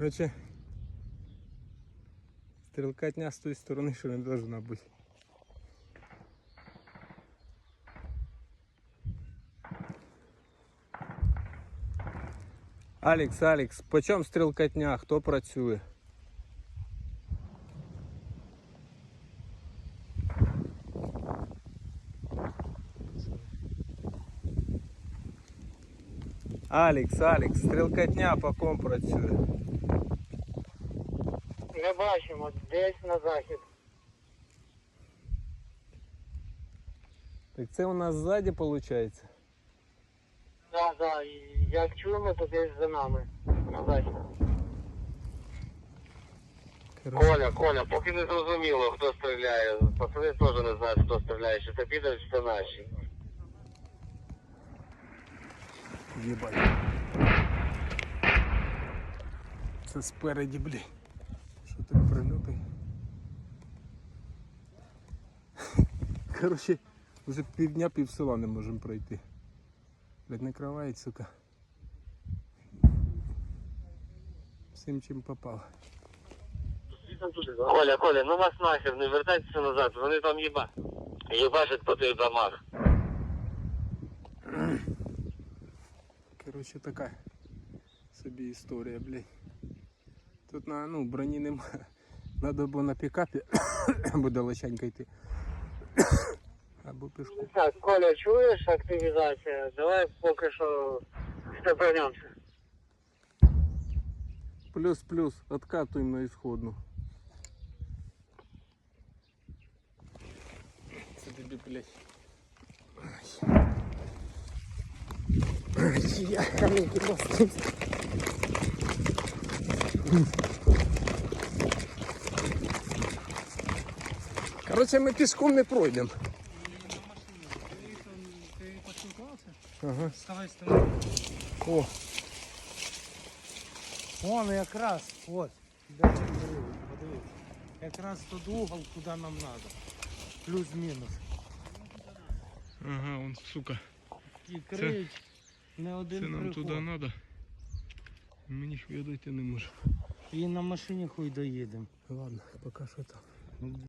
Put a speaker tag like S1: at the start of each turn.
S1: Короче, стрелкотня с той стороны, что не должна быть. Алекс, по чому стрілкотня? Хто працює? Алекс, стрілкотня по ком працює?
S2: Ми бачимо, десь на захід.
S1: Так це у нас ззаді виходить?
S2: Так, так, як чуємо, то десь за нами. На захід. Коля, поки не зрозуміло, хто стріляє. Пацани теж не знають, хто стріляє, чи це піде, чи це наші.
S1: Єбать. Це спереді, блін. Що так прильоти? Короче, вже півдня пів села не можемо пройти. Блядь, накривають, сука. Всім чим попало.
S2: Коля, ну вас нахер, не вертайтеся назад, вони там їбашать по тих домах.
S1: Короче, така собі історія, блядь. Тут броні немає. Надо було на пікапі, або далеченько йти. Або пішку.
S2: Так, Коля, чуєш активізація? Давай поки що степенемося.
S1: Плюс, откатуємо на ісходну. Це тобі, блядь. Я камінки поставив. Короче, ми пішком не пройдемо.
S3: Ти поспілкувався?
S1: Ага.
S3: Ставай з тобою.
S1: О,
S3: Вон якраз, ось. Подивись. Якраз тот угол, куди нам треба. Плюс-мінус.
S1: ага, он, сука.
S3: І криють не один
S1: Це нам
S3: приход.
S1: туди треба. Мені ж я дойти не можу.
S3: І на машині хуй доїдемо.
S1: Ладно, поки що там.